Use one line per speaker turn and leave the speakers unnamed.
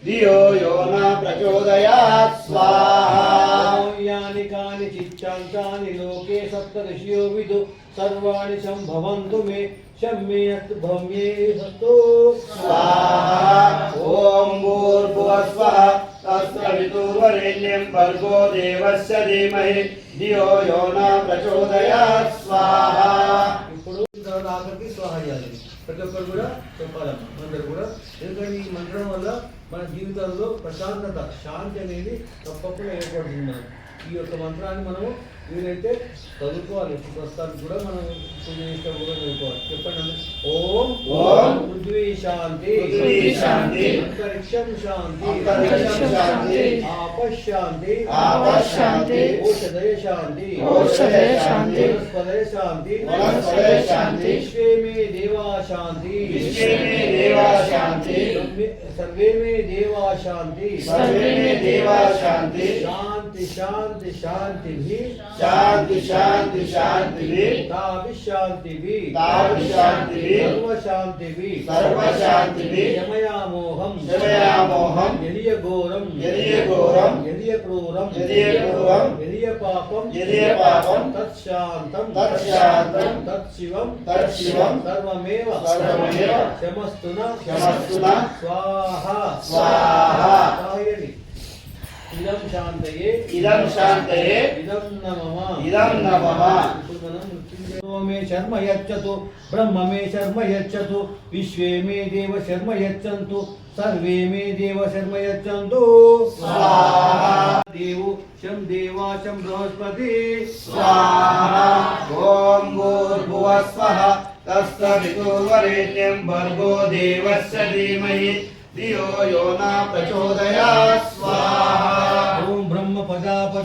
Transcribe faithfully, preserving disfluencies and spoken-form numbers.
धियो यो न प्रचोदयात् स्वाहा।
यानि कानि चित्तान्तानि लोके सप्तऋषियो विदु सर्वाणि संभवन्तु मे शम्येत् भव्येस्तु
स्वाहा। ओम भूर्भुवः स्वः तत्सवितुर्वरेण्यं भर्गो देवस्य धीमहि धियो यो न प्रचोदयात् स्वाहा।
ఇప్పుడు ఆఖరికి స్వాహ చేయాలి. ప్రతి ఒక్కరు కూడా చెప్పాలమ్మా అందరూ కూడా. ఎందుకంటే ఈ మంత్రం వల్ల మన జీవితాల్లో ప్రశాంతత శాంతి అనేది తప్పకుండా ఏర్పడుతుంది. మనం ఈ యొక్క మంత్రాన్ని మనము వీలైతే చదువుకోవాలి. ప్రస్తుతానికి కూడా మనం పూజ చేస్తే కూడా చదువుకోవాలి. చెప్పండి. ఓం
ఓం
పృథ్వీ శాంతి
పృథ్వీ శాంతి
అంతరిక్షం శాంతి
అంతరిక్షం శాంతి
ఆపశాంతి
ఆపశాంతి
ఓషధయ శాంతి
ఓషధయ శాంతి
వనస్పతయ శాంతి
వనస్పతయ శాంతి
విశ్వే మే దేవా శాంతి
విశ్వే మే దేవా శాంతి
सर्वे में देवा शांति
सर्वे में देवा शांति
शांति शांति शांति भी
शांति शांति शांति भी
ताभि शांति भी
ताभि शांति भी
सर्व शांति भी
सर्व शांति भी
शमयामोहम
शमयामोहम
यदिय घोरम
यदिय घोरम
यदिय क्रूरम
यदिय क्रूरम
यदिय पापम
यदिय पापम
तत्शांतम
तत्शांतम
तत्शिवम
तत्शिवम
सर्वमेव
सर्वमेव
क्षमस्तुना
क्षमस्तुना
स्वाहा
स्वाहा।
स्वाहायनि इदं शांतये
इदं शांतये
इदं नमः
इदं नमः।
मृत्युंजयो मे शर्म यच्छतु ब्रह्म मे शर्म यच्छतु विश्वे मे देव शर्म यच्छन्तु सर्वे मे देव शर्म यच्छन्तु
स्वाहा।
देवो शं देवा शं बृहस्पति
स्वाहा। ओम भूर्भुवः स्वः तत्सवितुर्वरेण्यं भर्गो देवस्य धीमहि धियो यो न प्रचोदयात् स्वाहा।
ओम ब्रह्म पदाप